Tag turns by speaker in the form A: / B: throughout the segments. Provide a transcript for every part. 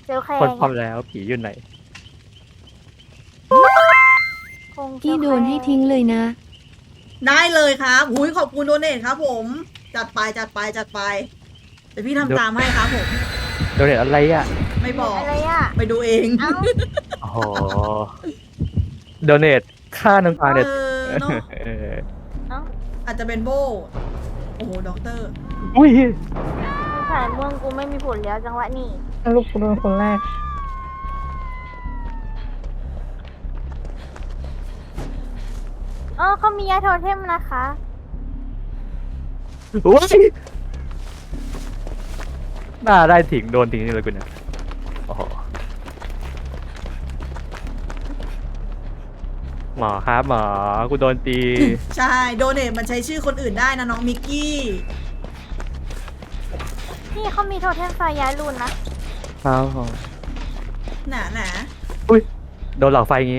A: เจลแค
B: คน
A: ง
B: พร้อมแล้วผีอยู่ไหน
C: พี่โดนให้ทิ้งเลยนะ
D: ได้เลยครับหุยขอบคุณโดเนทครับผม จัดไปจัดไปจัดไปเดี๋ยวพี่ทำตามให้ครับผม
B: โดนเน็ตอะไรอ่ะ
D: ไม่บอก
A: อะไรอ่ะ
D: ไปดูเอง
A: เอ้า
B: โอ้โหโดเนทค่าน้ำตาเน็ต
D: เนาะ
B: เออ
A: เอ้า
D: อาจจะเป็นโบโอ้โหด็อกเตอร์
B: อุ้ย
A: สายม่วงกูไม่มีผลแล้วจังหวะนี้
E: ลูกกูโดนคนแรก
A: อ๋อเขามียาโทเทมนะคะ
B: อุ้ยหน้าได้ถิงโดนถิงนี่เลยกูเนี่ยโอ้โหหมอครับหมอกูโดนตี
D: ใช่โดเนทมันใช้ชื่อคนอื่นได้นะน้องมิกกี้
A: นี่เขามีโทเทมไฟย้ายรุนนะ
B: ครับผม
D: หนา
B: อุ้ยโดนหลอกไฟอย่างงี้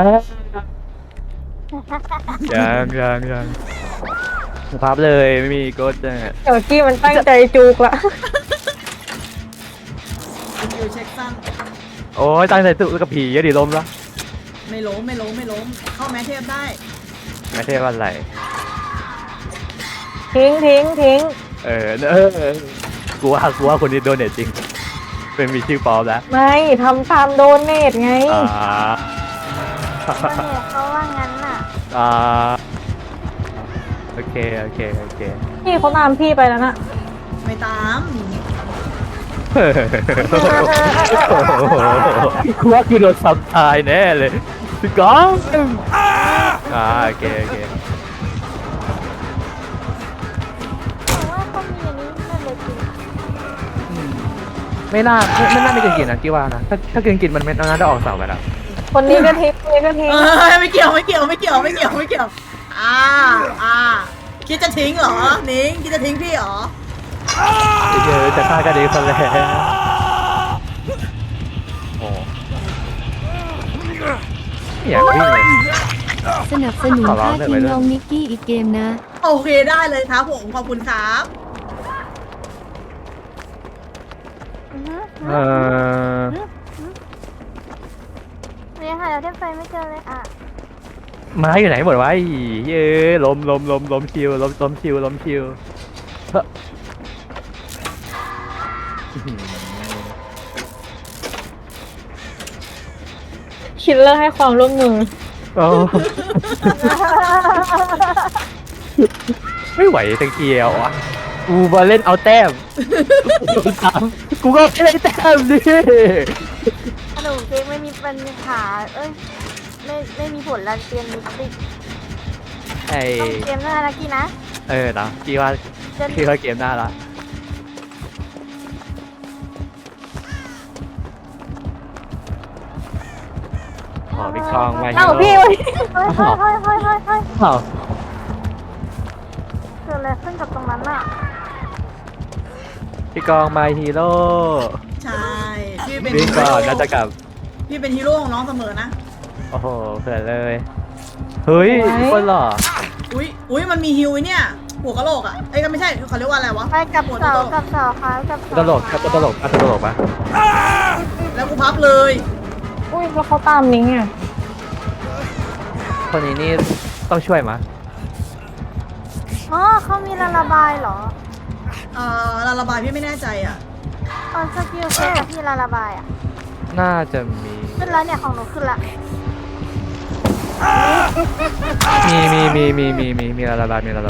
B: ยังภาพเลยไม่มีกดเนี่ย
E: เดี๋ยวกี้มันตั้งใจจูกละ
D: คุณอยู่เช็คสั้น
B: โอ้ยตั้งใจสู้กับผีเยอะดิล้มแล้ว
D: ไม่ล้มไม่ล้มไม่ล้ม เข้าแมทเทพได้
B: ไม่ใช่ว่าอะไร
E: ทิ้งทิ้งทิ้ง
B: กูว่าคนนี้โดนเน็ตจริง เป็นมีชื่อปลอมแล้ว
E: ไม่ทำตามโดนเนตไง
B: อ่า
A: โดเนทเขาว่างั้นน่ะ
B: อ่าโอเค
E: พี่เขาตามพี่ไปแล้วนะ
D: ไม่ตาม
B: กูว่าคือโดนซับตายแน่เลยพี่ก้องโอเค
A: แต่ว่าเขามีอันนี้นั่นเลยจริง
B: ไม่น่ามีกลิ่นกินนะกี่ว่านะถ้ากลิ่นกินมันไม่น่าจะออกเสาไปแล้ว
E: คนนี้ก็ทิ้งคนนี้ก็ทิ้ง
D: ไม่เกี่ยวไม่เกี่ยวไม่เกี่ยวไม่เกี่ยวไม่เกี่ยวคิดจะทิ้งเหรอนิ้งคิดจะทิ้งพี่เหรอ
B: เดี๋ยวจะฆ่ากันเองซะแล้วโอ้ไม่อยากวิ่งเลย
C: สนับสนุน
B: ขอร้อ
C: ค่าง
B: เถอะ
C: ที
B: ไป
C: ม
B: ด้วย
C: น้องนิกกี้อีกเกมนะ
D: โอเคได้เลยครับผมขอบคุณครับ
A: อือฮึ
B: เออ
A: เรียนหาโทเทมไฟไม่เจอเลยอ่ะ
B: ไม้อยู่ไหนหมดวะไอ้เย้ล้มชิวล้มชิวเฮ้อ
E: คิดเลอร์ให้ความร่วมมือ
B: โอ้ไม่ไหวตะเกียวอ่ะกูมาเล่นเอาแต้มกูก็ไม่ได้แต้มดิ
A: ขนมเค้กไม่มีปัญหาเอ้ยไม่มีผลละเตรียมมิติ
B: ไอ้
A: ต้องเกมหน้านะกี้นะ
B: นะพี่ว่าเกมหน้าละขอพี่คลองมา
E: เอ้าพี่
A: เฮ้ยเฮ้ย
B: เอ้า
A: เกิดอะไรขึ้นกับตรงนั้นอ่ะ
B: พี่กองมาฮีโร่
D: ใช่พี่เป็น
B: วิ่งก่อนน่าจะกลับ
D: พี่เป็นฮีโร่ของน้องเสมอนะ
B: โอ้โหเผื่อเลยเฮ้ยคนหล่อ
D: อุ้ยมันมีฮิวไอ้เนี่ยหัวกะโหลกอ่ะไอ้ยก็ไม่ใช่เขาเรียกว่าอะไรวะ
A: ไปกับ
D: หัว
A: เสา
D: โต
A: กับเสาค่ะกับเสา
B: ตลกครับตลกปะ
D: ๆแล้วกูพับเลย
E: อุ้ยแล้วเขาตามนิ้งอ่ะ
B: คนนี้นี่ต้องช่วยมะ
A: อ๋อเขามีระบายเหรอ
D: ระบายพี่ไม่แน่ใจอ่ะ
A: ตอนสกิลเช็คกับพี่ระบายอ่ะ
B: น่าจะมี
A: ขึ้นแล้วเนี่ยของหนูขึ้นละ
B: มีระบาย
D: นิก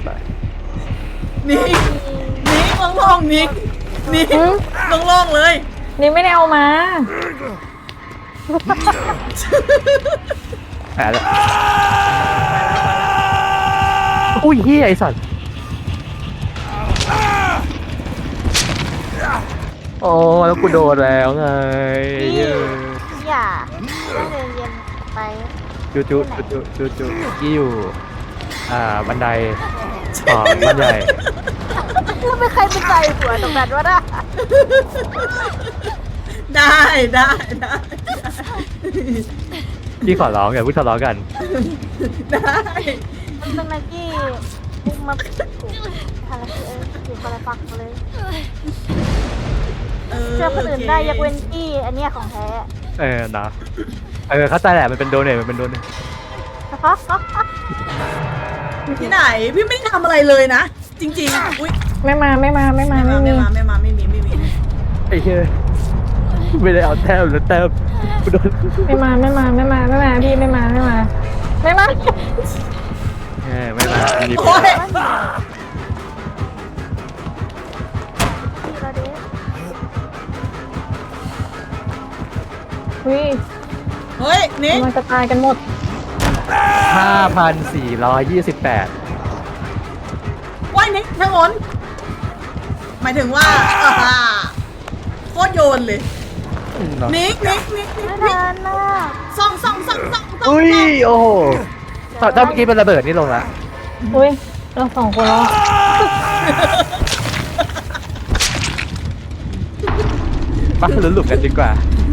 D: โล่งๆนิกโล่งๆเลย
E: นี่ไม่ได้เอามา
B: แพ้แล้วอุ้ยเฮียไอสัตว์โอ้แล้วกูโดนแล้วไง
A: พี่อย่าเดินเย็นไป
B: จูกี้อยู่บันไดบันได
A: แล้วไม่ใครเป็นใจหัวตรงนั้นวะน่ะ
D: ได้
B: พี่ขอร้องอย่าพูดทะเลาะกัน
D: ได้
A: ตรงนั้นกี้มุกมาถูกทางที่อยู่คนละฝั่งเลย
D: เออ
A: ช่วยคนอื่นได้ยกเว้นพี่อันเนี้ยของแท้
B: นะเข้าใจแหละมันเป็นโดเนทมันเป็นโดเนท
D: ที่ไหนพี่ไม่ได้ทำอะไรเลยนะ จริงๆอุ้ย
E: ไม่มาไม่มี
D: ไม่มี
B: ไอ้เหี้ยไม่ได้เอาแต้มแล้วแต้มกูโดน
E: ไม่มาพี่ไม่มา
B: ไม่มามี
D: โอ้ย
A: พี่ระเดช
E: อุ้ย
D: เฮ้ยนี่
E: มันจะตายกันหมด
B: 5,428
D: ว่ายนี่ถนนหมายถึงว่าโคตรโยนเลยนิก
A: ไม่ทันน่ะ
D: ส่อง
B: อุ้ยโอ้โหถ้าเมื่อกี้เป็นระเบิดนี่ลงละ
E: อุ้ยเราสองคนแล้ว
B: มาลุ้นหลุมกันดีกว่า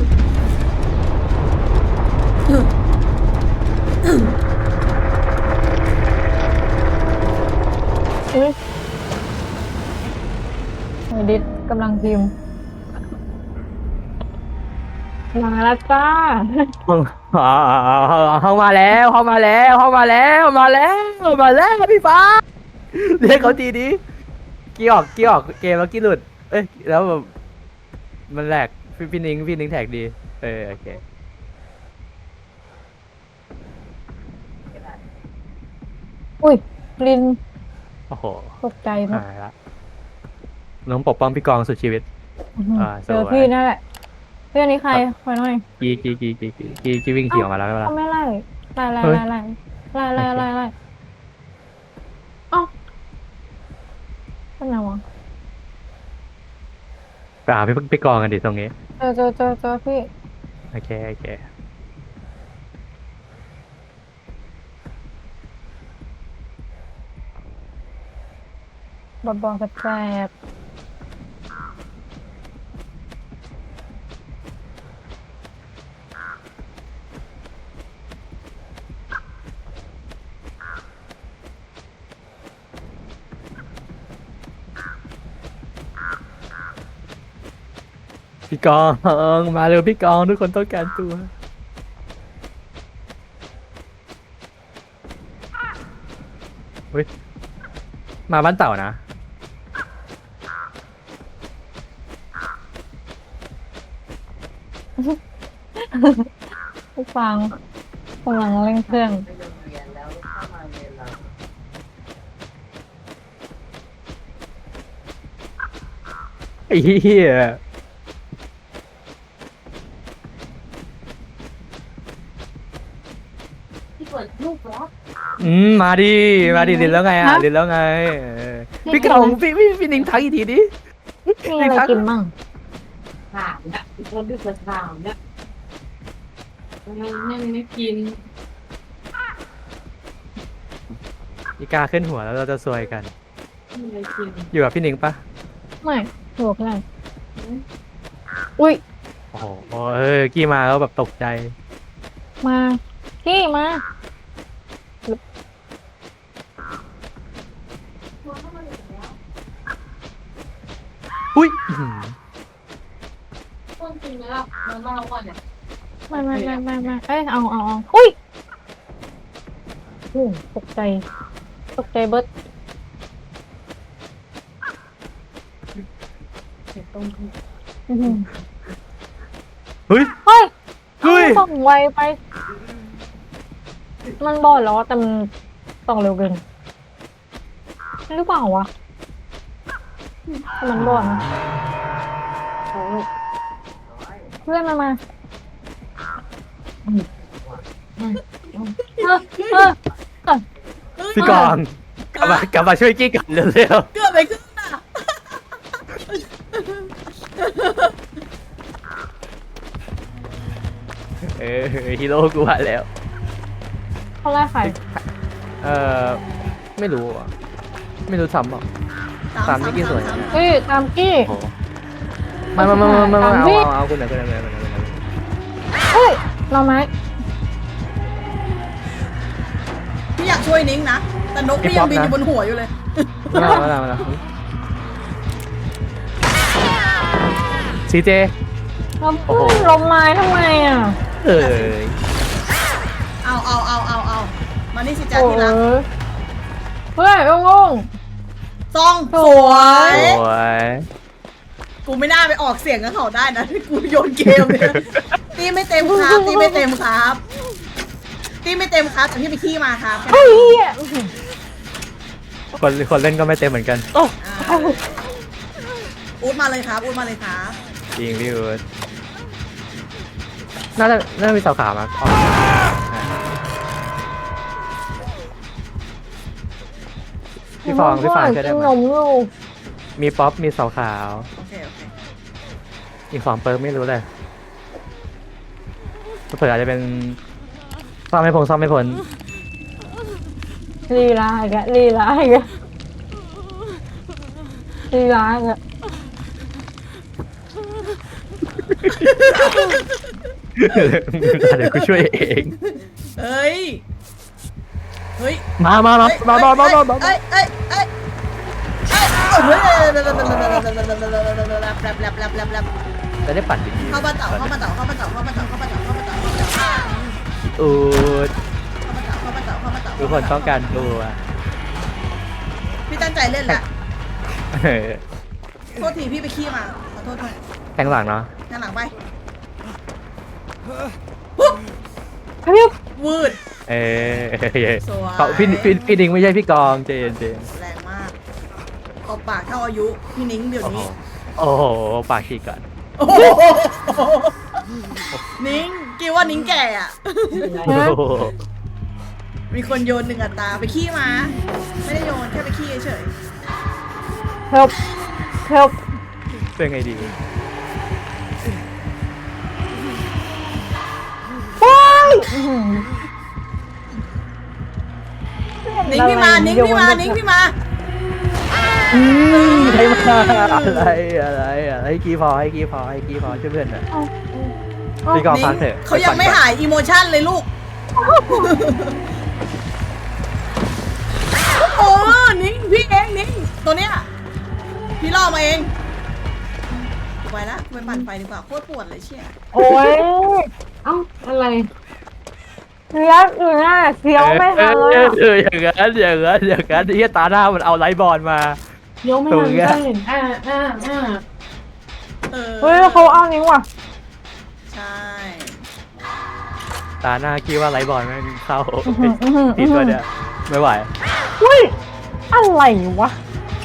E: อุ้ยไอดิสกำลังพิมพ์มาแล้วจ้า
B: เข้ามาแล้วพี่ฟ้าเรียกเขาทีนี้กี้ออกเกมแล้วกี้หลุดเอ้ยแล้วแบบมันแหลกพี่นิ้งแท็กดีโอเค
E: อุ้ยลิน
B: โอ้โห
E: ตกใจหมด
B: หายละน้องปกป้องพี่กองสุดชีวิต
E: เจอพี่นั่นแหละเพื่อนนี้ใครคอยหน่อย
B: กีวิ่งขี่ออกมาแล้วใช่ไหมล่ะ
E: เขาไม่ไล่ไล่เอ้าเป็นไงวะ
B: ไปหาพี่กองกันดิตรงนี้
E: เจอพี่
B: โอเค
E: บอลแสบ
B: พี่กองมาเร็วพี่กองทุกคนต้องการตัวเฮ้ยมาบ้านเต่านะ
E: ผู้ฟังกำลังเล่นเครื่อง
B: ไอ้เหี้ยมาดิเรียนแล้วไงเรียนแล้วไงพี่กองพี่นิ้งทักอีกทีดิ
E: มีอะไรกินมั่ง
F: ถามนะเราดึกมาถามนะไม่กิน
B: อีกาขึ้นหัวแล้วเราจะซวยกัน
F: ไม่กิน
B: อยู่กับพี่นิ้งปะ
E: ไม่ถูกเลยอุ้ย
B: โอ้โหกี้มาแล้วแบบตกใจ
E: มาพี่มา
B: อุ้ย
F: ต้องกินไหมล่ะมาเล่าก่อนเนี่ย
E: ไม่เอ้ยเอาอุ้ยโอ้ตกใจเบิร์ด
F: เดี๋ยวต้ม
B: เฮ้ย
E: เฮ้ย
B: เฮ้ย
E: ส่องไวไป มันบอดแล้วแต่มันส่องเร็วเกินหรือเปล่าวะมันบอดนะเพื่อนมา
B: พี่กองกลับมาช่วยกี้กันเร็ว
D: เกือบไปขึ้นน่ะ
B: ฮีโร่กูมาแล้ว
E: เขาไล่ใคร
B: ไม่รู้อ่ะไม่รู้ซ้ำหรอก ตามนี่กี่ส่วน
E: เฮ้ยตามกี้
B: โอ้มาเอาคุณหน่อย
E: เฮ้ยเราไหม
D: พี่อยากช่วยนิ้งนะแต่นกพี่ยังบินอยู่บนหัวอยู่เลย
B: มาซีเจ
E: แล้วเพื่อนลมไม้ทำไมอ่ะ
B: เอ้ย
D: เอามานี่สิจ้า
E: โอ้
D: ที่รัก
E: ยเพื่อนงง
D: ซองสวย
B: โอ้ย
D: กูไม่น่าไปออกเสียงกับเขาได้นะกูโยนเกมเนี่ยตีไม่เต็มครับตีไม่เต็มครับตีไม่เต็มครับแต่พี่ไปขี้มาครับ
E: เฮ้ยเหี้ย
B: คนเล่นก็ไม่เต็มเหมือนกัน โอ้
D: อ่าอูดมาเลยครับอูดมาเลยครับ
B: จริงพี่อู๊ดน่าจะมีสาวขาวมาอ๋อพี่ฟองช่วยได้
E: กิน
B: ไหม
E: นมอยู่
B: มีป๊อปมีสาวขาว
D: โอเค
B: อีก2 เปิร์กไม่รู้เลยเผื่ออาจจะเป็นซ่อมไม่พ้น
E: ลีลาอีกแล้วลีลาอีกแล้วลีลาอีกแล้ว
B: เดี๋ยวกูช่วยเอง
D: เฮ้ยเฮ้ย
B: มา
D: เอ้ยเอ้ยเอ้ยเอ้ย
B: จะได้ปั่นดี
D: เข้ามาเต่า
B: อูดทุกคนต้องการตัว
D: พี่ตั้งใจเล่นแหละ
B: เออ
D: โทษทีพี่ไปขี้มาขอโทษด้วย
B: แทงหลังเนาะ
D: หน้าหลังไป
E: พี่
D: วืด
B: เออ
D: สวย
B: เขาพี่ดิงไม่ใช่พี่กองเจน
D: แรงมากตบปากเท่าอายุพี่นิ้งเดี๋ยวนี้
B: โอ้โหปากฉีกก่อน
D: โอ้โหนิ้งกี่ว่านิ้งแก่อ่ะ
B: โอ้โห
D: มีคนโยน1 อัตราไปขี้มา ไม่ได้โยนแค่ไปขี้เฉย
E: เฮลเฮล
B: เป็นไงดี
D: นิ้งพี่มานิ้งพี่มานิ้งพี่มา
B: ให้มาอะไรให้กี้พอช่วยเพื่อนหน่อยพี่กองพักเถอะ
D: เขายังไม่หายอีโมชั่นเลยลูก โอ้นิ้งพี่เองนิ้งตัวเนี้ยพี่ล่อมาเองไปละไปปั่นไฟดีกว่าโคตรปวดเลยเชี่ย
E: โอ้ยเอ้าอะไรเสียอยู่หน้าเสียวไม่ทันเลยอะ
B: อย่างนั้นที่ตาหน้ามันเอาไลท์บอลมา
E: เสียวไม่ทันเลย
D: เออ
E: เฮ้ยเขาเอานิ้วว่ะ
D: ใช่
B: ตาหน้าคิดว่าไลท์บอลไม่เข้าทีตัวเนี้ยไม่ไหว
E: เฮ้ยอะไรวะ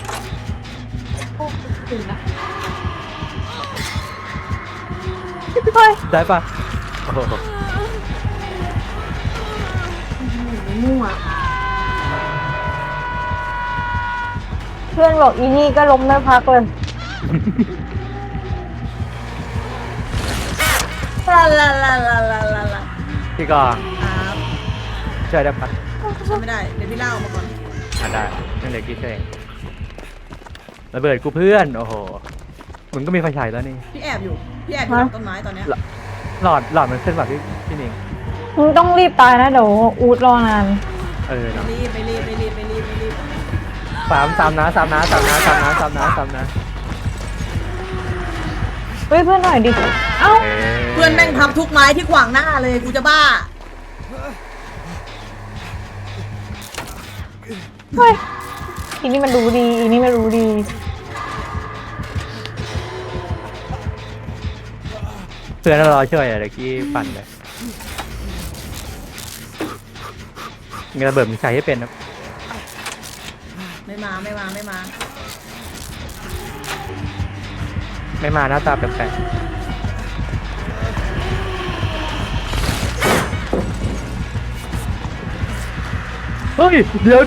E: เฮ้ย
B: ได้ปะโอ้โห
E: เพื่อนบอกอีนี่ก็ล้มไม่พักเลย
D: ลา
B: พี่กอง
D: ครับ
B: ช่วยได้ปะ
D: ช่วยไม่ได้เดี๋ยวพี่เล่ามาก่อน
B: ได้นั่นเลยกี้ช่วยเองระเบิดกูเพื่อนโอ้โหมึงก็มีไฟฉายแล้วนี่
D: พี่แอบอยู่หลังต้นไม้ตอนเนี้ย
B: หลอดมันขึ้นแบบพี่นิง
E: มึงต้องรีบตายนะเดี๋ยวอูดรอนาน
B: เออเนาะ
D: ไม่รีบ
B: สามนะ
E: เฮ้ยเพื่อนหน่อยดิ เอ้า
D: เพื่อนแม่งพับทุกไม้ที่ขวางหน้าเลยกูจะบ้า
E: เฮ้ยอีนี่มันรู้ดีอีนี่มันรู้ดี
B: เพื่อนรอช่วยอะเดี๋ยวกี้ปั่นเลยเงินระเบิดมันใช้ให้เป็นนะ
D: ไม่มา
B: ไม่มาหน้าตาแปลกๆเฮ้ยเดี๋ยว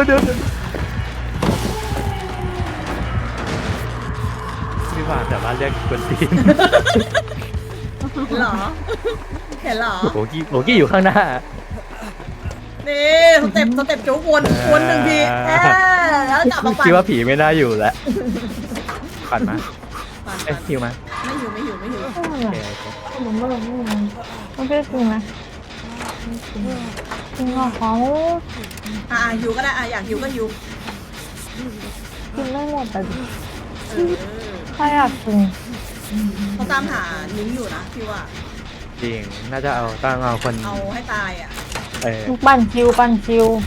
B: พี่ว่าแต่ว่าเรียกคนตีน
D: เหรอ เห็นเหรอ
B: โบกี้อยู่ข้างหน้า
D: นี่สเต็ปโจ๊กวนหนึ่งทีแล้วจับมาปั่น
B: คิดว่าผีไม่น่าอยู่แล้วปั่นมาเอ้ยหิวมา
D: ไม่หิว
E: ไม่
B: โอ
E: เป็น
B: เค
E: ไรผมไม่ลงไม่เป็นจริงนะจริงเหรอเขา
D: หิวก็ได้อยากหิวก็หิว
E: กินไม่หมดแต่
D: เออ
E: ใครอยากกิน
D: เขาตามหานิ้งอยู่นะพี่ว่า
B: จริง น่าจะต้องเอาคน
D: เอาให้ตายอ่ะ
B: เออ
E: ปั้นคิวปั้นคิว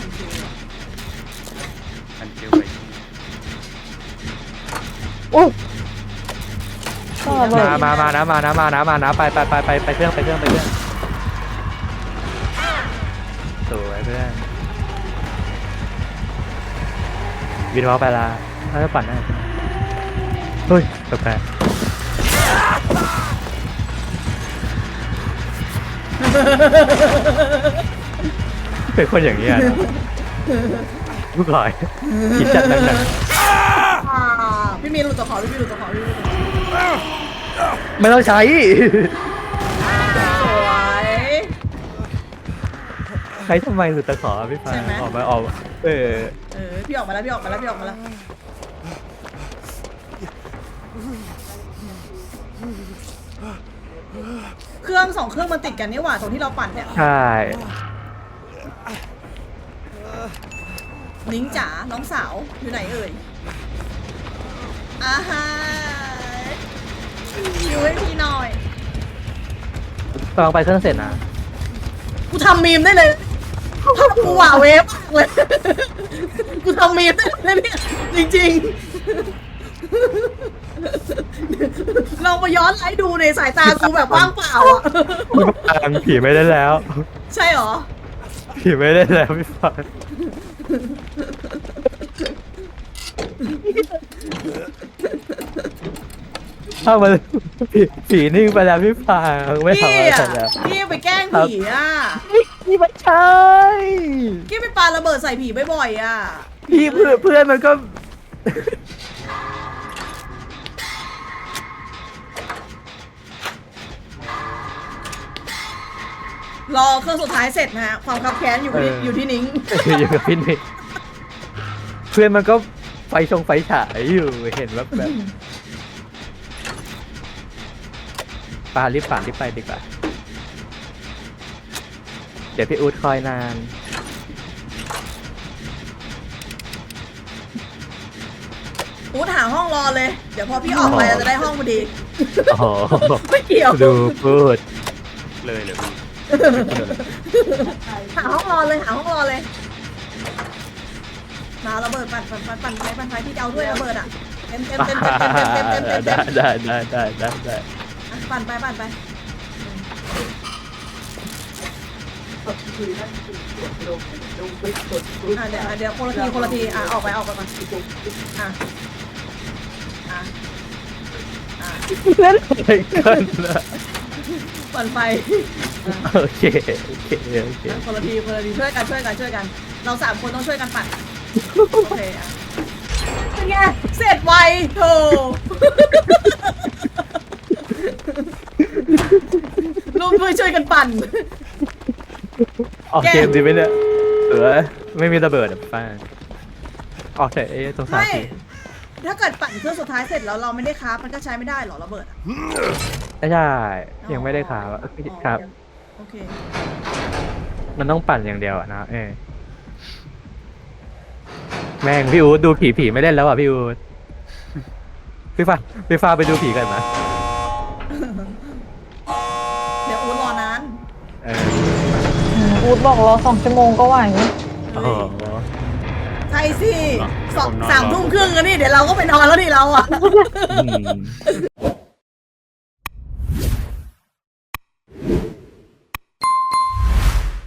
G: มันเจียวไป
E: อุ๊ยก็ระเบิด
B: มานะไปเครื่องสวยเพื่อนวินวอลไปละถ้าจะปั่นได้เฮ้ยแปลกเป็นคนอย่างนี้อ่ะลูกหลอยคิดจัดหนัก
D: พี่มีนหลุดตัวขอพี่มีนหลุดตัวขอพี่มีนหลุดตัวขอ
B: ๆไม่ต้องใช้
D: สวย
B: ใช้ทำไมหรือตะขอพี่ฟ้า
D: ใช่ไหม
B: ออก
D: เออพี่ออกมาแล้วพี่ออกมาแล้วพี่ออกมาแล้วเครื่องสองเครื่องมันติดกันนี่หว่าตรงที่เราปั่นเนี่ย
B: ใช่
D: นิ้งจ๋าน้องสาวอยู่ไหนเอ่ยอาฮาอยู่ให้พี่หน่อย
B: ลองไปเครื่องเสร็จนะ
D: กูทำมีมได้เลยกูหว่าเวฟเลยกูทำมีมได้เลยเนี่ยจริงๆลองมาย้อนไลฟ์ดูในสายตากูแบบว่างเปล่าอ่ะ
B: พี่ฟางผีไม่ได้แล้ว
D: ใช่เหรอ
B: ผีไม่ได้แล้วพี่ฟางถ้ามันผีนิ่งไปแล้วพี่ฟางไม่ทำ
D: พี่
B: อะไร
D: อ่ะ
B: แล้ว
D: พี่ไปแกล้งผีอ่ะ
B: พี่ไม่ใช่
D: พี่ไปปาระเบิดใส่ผีบ่อยๆอ่ะ
B: พี่เพื่อนมันก็
D: รอเครื่องสุดท้ายเสร็จนะฮะความคับแค้นอยู่ที่นิ้ง
B: อยู่กับพี่นี่เพื่อนมันก็ไฟฉายอยู่เห็นแบบปารีบไปดีกว่าเดี๋ยวพี่อู๊ดคอยนาน
D: อู๊ดหาห้องรอเลย เดี๋ยวพอพี่ออกไปเราจะได้ห้องพอดี
B: โอ้โห
D: ไม่เกี่ยว
B: ดูพูด
G: เลยเหรอพี่
D: หาห้องรอเลยหาห้องรอเลยมาระเบิดปั่นไฟพี่จะเอาด้วยระเบิดอ่ะเต็ม
B: ได้
D: ปั่นไปอ่ะเดี๋ยวคนละทีอ่ะออกไปก่อนอ่ะ
B: เล่นอะไรกันล่ะ
D: ปั่นไฟ
B: โอเค
D: คนละทีช่วยกันเรา3คนต้องช่วยกันปั่นโอเคอ่ะเป็นไงเสร็จไวโธ่ร่วมด้วยช่วยกันปั่น
B: ออกเกมดีไหมเนี่ยไม่มีระเบิดอ่ะป้าออกแต่สงสาร
D: ไม่
B: ที
D: ถ้าเกิดปั่นเครื่องสุดท้ายเสร็จแล้วเราไม่ได้คราฟมันก็ใช้ไม่ได้หรอระเบิดอ่ะ
B: ไม่ใช่ยังไม่ได้ข่าวครับ
D: โอเค
B: มันต้องปั่นอย่างเดียวอะนะแม่งพี่อู๊ดดูผีไม่เล่นแล้วอ่ะพี่อู๊ดพี่ฟ้าไปดูผีกันนะ
D: เดี๋ยวอู๊ดรอนาน
E: อูดบอกรอ2 ชั่วโมงก็ไหว
B: โอ้โห
D: ใช่สิ3 ทุ่มครึ่งกันนี่เดี๋ยวเราก็ไปนอนแล้วนี่เราอ่ะ
B: อืม